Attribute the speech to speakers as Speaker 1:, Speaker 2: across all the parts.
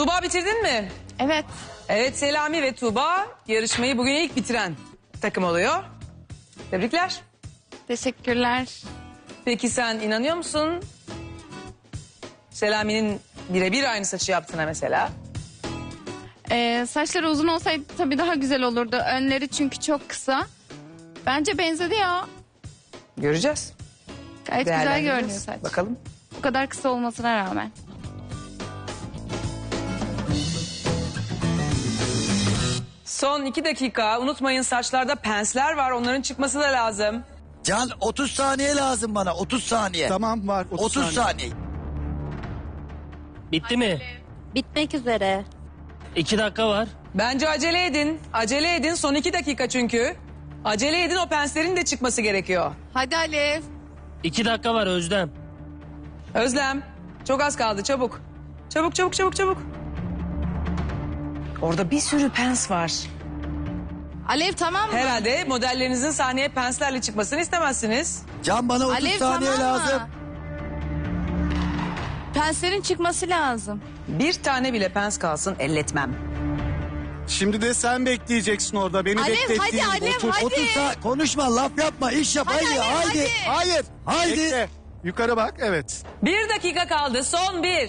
Speaker 1: Tuğba bitirdin mi?
Speaker 2: Evet.
Speaker 1: Evet, Selami ve Tuğba yarışmayı bugün ilk bitiren takım oluyor. Tebrikler.
Speaker 2: Teşekkürler.
Speaker 1: Peki sen inanıyor musun? Selami'nin birebir aynı saçı yaptığına mesela.
Speaker 2: Saçları uzun olsaydı tabii daha güzel olurdu. Önleri çünkü çok kısa. Bence benzedi ya.
Speaker 1: Göreceğiz.
Speaker 2: Gayet güzel
Speaker 1: Değerlendireceğiz.
Speaker 2: görünüyor saç.
Speaker 1: Bakalım.
Speaker 2: Bu kadar kısa olmasına rağmen.
Speaker 1: Son 2 dakika. Unutmayın saçlarda pensler var. Onların çıkması da lazım.
Speaker 3: Can 30 saniye lazım bana 30 saniye.
Speaker 4: Tamam var
Speaker 3: 30 saniye.
Speaker 5: Bitti mi?
Speaker 6: Bitmek üzere.
Speaker 5: 2 dakika var.
Speaker 1: Bence acele edin. Acele edin. Son 2 dakika çünkü. Acele edin, o penslerin de çıkması gerekiyor.
Speaker 2: Hadi Alev.
Speaker 5: 2 dakika var Özlem.
Speaker 1: Özlem, çok az kaldı, çabuk. Çabuk, çabuk, çabuk, çabuk. Orada bir sürü pens var.
Speaker 2: Alev tamam mı?
Speaker 1: Herhalde modellerinizin sahneye penslerle çıkmasını istemezsiniz.
Speaker 3: Can bana 30
Speaker 2: Alev
Speaker 3: saniye
Speaker 2: tamam
Speaker 3: lazım.
Speaker 2: mı? Penslerin çıkması lazım.
Speaker 1: Bir tane bile pens kalsın, elletmem.
Speaker 4: Şimdi de sen bekleyeceksin orada. Beni
Speaker 2: Alev,
Speaker 4: beklettiğin
Speaker 2: hadi,
Speaker 4: gibi
Speaker 2: Alev,
Speaker 4: otur.
Speaker 2: hadi.
Speaker 3: 30 konuşma laf yapma iş yap haydi
Speaker 2: Alev,
Speaker 3: haydi.
Speaker 4: Hayır.
Speaker 3: Haydi.
Speaker 4: Bekle. Yukarı bak evet.
Speaker 1: 1 dakika kaldı, son 1.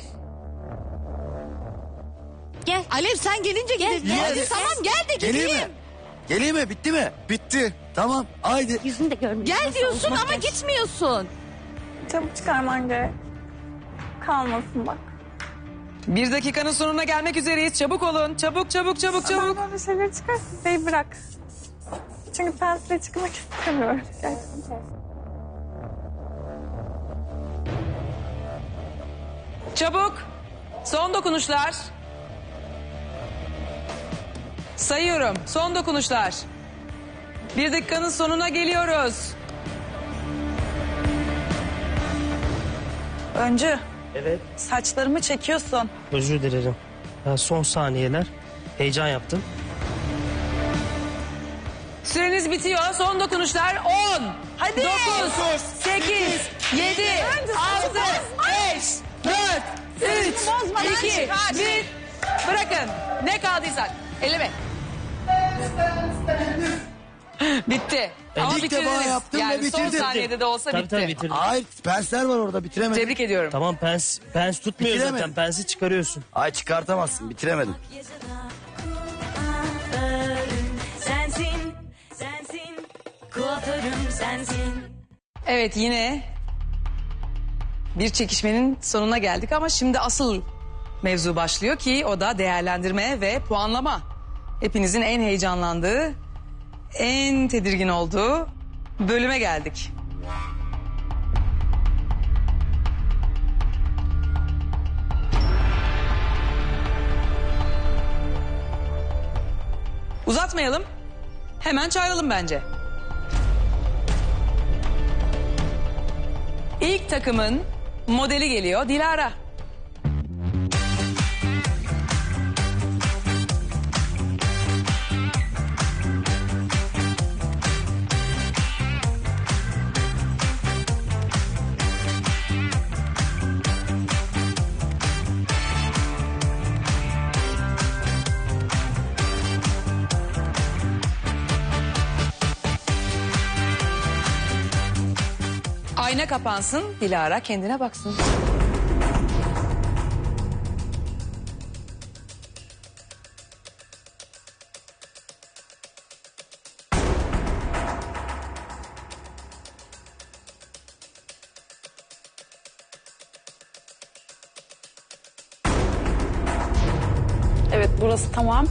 Speaker 6: Gel.
Speaker 2: Alev sen gelince gidelim.
Speaker 3: Gel.
Speaker 2: Hadi tamam gel de
Speaker 3: Geleyim
Speaker 2: gideyim.
Speaker 3: mi? Geleyim mi bitti mi?
Speaker 4: Bitti.
Speaker 3: Tamam haydi.
Speaker 6: Yüzünü de görmüyorum.
Speaker 2: Gel
Speaker 6: Nasıl
Speaker 2: diyorsun
Speaker 6: olmak
Speaker 2: ama
Speaker 6: gerek?
Speaker 2: gitmiyorsun.
Speaker 7: Çabuk çıkarman gerek. Kalmasın bak.
Speaker 1: 1 dakikanın sonuna gelmek üzereyiz, çabuk olun. Çabuk, çabuk, çabuk, çabuk.
Speaker 7: Ben böyle şeyleri çıkarsın. Bey bırak. Çünkü pensle çıkmak istemiyorum. Gerçekten.
Speaker 1: Çabuk. Son dokunuşlar. Sayıyorum. Son dokunuşlar. 1 dakikanın sonuna geliyoruz.
Speaker 7: Öncü,
Speaker 5: Evet.
Speaker 7: saçlarımı çekiyorsun.
Speaker 5: Özür dilerim. Ya son saniyeler. Heyecan yaptım.
Speaker 1: Süreniz bitiyor. Son dokunuşlar 10. Hadi. 9, 8, 7, 6, 5, 4, 3, 2, 1. Bırakın. Ne kaldıysak. Elime. Bitti. Ama
Speaker 3: İlk defa
Speaker 1: bitirdiniz.
Speaker 3: yaptım ve
Speaker 1: Yani son
Speaker 3: bitirdim.
Speaker 1: saniyede de olsa
Speaker 5: Tabii
Speaker 1: bitti.
Speaker 5: tabii bitirdim.
Speaker 3: Hayır pensler var orada bitiremedim.
Speaker 1: Tebrik ediyorum.
Speaker 5: Tamam pens tutmuyor
Speaker 3: Bitiremedim.
Speaker 5: zaten. Pensi çıkarıyorsun.
Speaker 3: Ay çıkartamazsın bitiremedim.
Speaker 8: Sensin, sensin, kuaförüm sensin.
Speaker 1: Evet, yine bir çekişmenin sonuna geldik ama şimdi asıl mevzu başlıyor ki o da değerlendirme ve puanlama. Hepinizin en heyecanlandığı, en tedirgin olduğu bölüme geldik. Uzatmayalım. Hemen çağıralım bence. İlk takımın modeli geliyor, Dilara. Ayna kapansın, Dilara kendine baksın.
Speaker 7: Evet, burası tamam.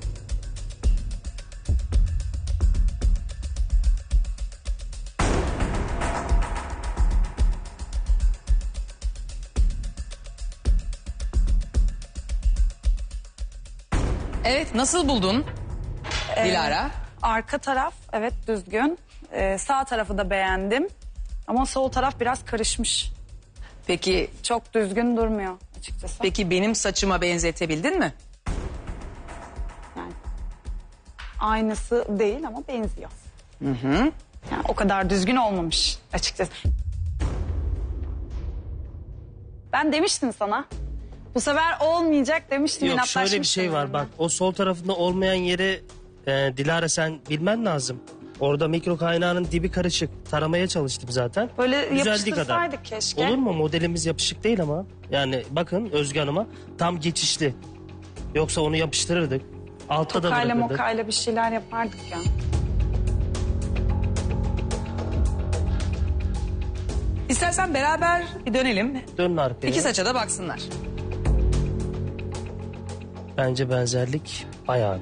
Speaker 1: Evet, nasıl buldun Dilara?
Speaker 7: Arka taraf evet düzgün. Sağ tarafı da beğendim. Ama sol taraf biraz karışmış.
Speaker 1: Peki,
Speaker 7: Çok düzgün durmuyor açıkçası.
Speaker 1: peki benim saçıma benzetebildin mi?
Speaker 7: Yani aynısı değil ama benziyor. Yani o kadar düzgün olmamış açıkçası. Ben demiştim sana Bu sefer olmayacak demiştim.
Speaker 5: Yok şöyle bir
Speaker 7: inatlaşmıştım
Speaker 5: şey var
Speaker 7: yani.
Speaker 5: bak. O sol tarafında olmayan yeri Dilara sen bilmen lazım. Orada mikro kaynağının dibi karışık. Taramaya çalıştım zaten.
Speaker 7: Böyle
Speaker 5: Düzeldiği
Speaker 7: yapıştırsaydık keşke.
Speaker 5: Olur mu? Modelimiz yapışık değil ama. Yani bakın Özge Hanım'a tam geçişli. Yoksa onu yapıştırırdık. Altta da
Speaker 7: Tokayla
Speaker 5: bırakırdık.
Speaker 7: mokayla bir şeyler yapardık ya.
Speaker 1: İstersen beraber bir dönelim.
Speaker 5: Dönün arkaya.
Speaker 1: İki saça da baksınlar.
Speaker 5: Bence benzerlik bayağı.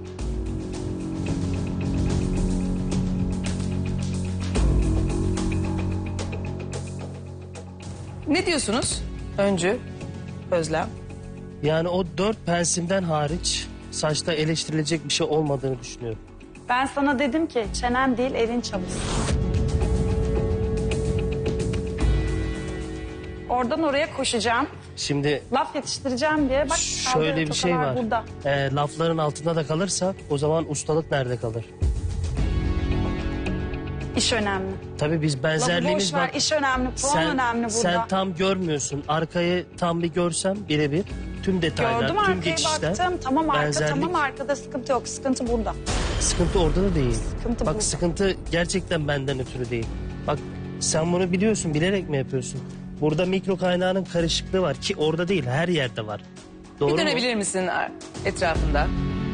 Speaker 1: Ne diyorsunuz? Öncü, Özlem.
Speaker 5: Yani o 4 pensimden hariç saçta eleştirilecek bir şey olmadığını düşünüyorum.
Speaker 7: Ben sana dedim ki çenen değil elin çalışsın. Oradan oraya koşacağım.
Speaker 5: Şimdi
Speaker 7: Laf yetiştireceğim diye bak.
Speaker 5: şöyle
Speaker 7: kaldırıyor,
Speaker 5: bir şey
Speaker 7: tokalar
Speaker 5: var.
Speaker 7: Burada.
Speaker 5: Lafların altında da kalırsak o zaman ustalık nerede kalır?
Speaker 7: İş önemli.
Speaker 5: Tabii biz
Speaker 7: Lafı
Speaker 5: benzerliğimiz
Speaker 7: boş ver,
Speaker 5: bak.
Speaker 7: iş önemli, puan önemli burada.
Speaker 5: Sen tam görmüyorsun. Arkayı tam bir görsem birebir. Tüm detaylar,
Speaker 7: Gördüm
Speaker 5: tüm
Speaker 7: arkaya
Speaker 5: geçişler.
Speaker 7: baktım. Tamam arka,
Speaker 5: benzerlik.
Speaker 7: tamam arkada sıkıntı yok. Sıkıntı burada.
Speaker 5: Sıkıntı orada da değil.
Speaker 7: Sıkıntı
Speaker 5: Bak
Speaker 7: burada.
Speaker 5: sıkıntı gerçekten benden ötürü değil. Bak sen bunu biliyorsun, bilerek mi yapıyorsun? Burada mikro kaynağının karışıklığı var ki orada değil, her yerde var. Doğru
Speaker 1: Bir
Speaker 5: mu?
Speaker 1: dönebilir misin etrafında?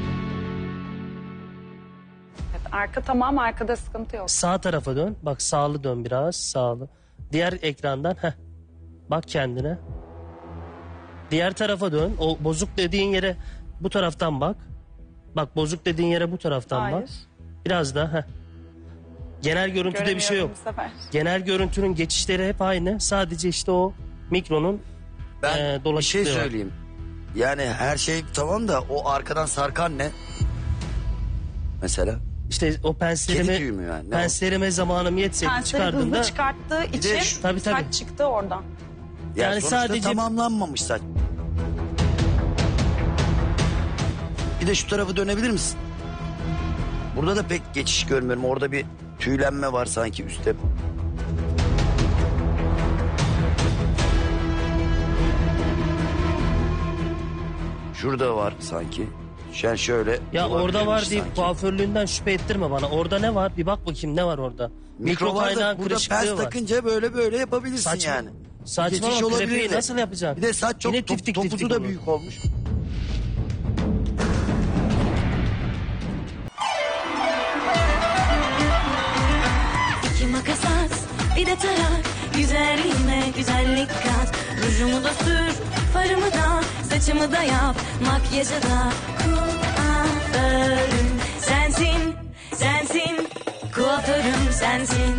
Speaker 7: Evet, arka tamam arkada sıkıntı yok.
Speaker 5: Sağ tarafa dön. Bak sağlı dön biraz, sağlı. Diğer ekrandan bak kendine. Diğer tarafa dön. O bozuk dediğin yere bu taraftan bak. Bak bozuk dediğin yere bu taraftan
Speaker 7: Hayır.
Speaker 5: bak. Biraz daha. Genel görüntüde bir şey yok.
Speaker 7: Göremiyorum bu sefer.
Speaker 5: Genel görüntünün geçişleri hep aynı. Sadece işte o mikronun
Speaker 3: Ben bir şey
Speaker 5: dolaşıklığı var.
Speaker 3: söyleyeyim. Yani her şey tamam da o arkadan sarkan ne? Mesela.
Speaker 5: İşte o
Speaker 3: Kedi tüyü mü yani? Ne o?
Speaker 5: penslerime zamanım yetseydi
Speaker 7: Pensleri
Speaker 5: çıkardığımda
Speaker 7: hızlı çıkarttığı
Speaker 3: de
Speaker 7: için
Speaker 3: şu-
Speaker 5: Tabii, tabii.
Speaker 7: saç çıktı oradan.
Speaker 5: Yani
Speaker 3: sonuçta
Speaker 5: sadece-
Speaker 3: tamamlanmamış saç. Bir de şu tarafı dönebilir misin? Burada da pek geçiş görmüyorum. Orada bir tüylenme var sanki üstte. Şurada var sanki. Yani şöyle.
Speaker 5: ya orada
Speaker 3: olabilirmiş
Speaker 5: var deyip
Speaker 3: sanki.
Speaker 5: kuaförlüğünden şüphe ettirme bana. Orada ne var? Bir bak bakayım ne var orada.
Speaker 3: Mikro var da
Speaker 5: kaynağın
Speaker 3: burada
Speaker 5: kırışıklığı
Speaker 3: pens
Speaker 5: var.
Speaker 3: takınca böyle yapabilirsin
Speaker 5: Saçma.
Speaker 3: yani.
Speaker 5: Saçma
Speaker 3: Geçiş
Speaker 5: ama
Speaker 3: olabilir
Speaker 5: krepeyi
Speaker 3: de.
Speaker 5: nasıl yapacaksın?
Speaker 3: Bir de saç çok
Speaker 5: Yine tiftik
Speaker 3: topuzu
Speaker 5: tiftik
Speaker 3: da
Speaker 5: olur.
Speaker 3: büyük olmuş.
Speaker 8: İki makas at, bir de tarak. Güzelliğime güzellik kat. Rujumu da sür, farımı da, saçımı da yap. Makyajı da kuaförüm sensin, sensin. Kuaförüm sensin.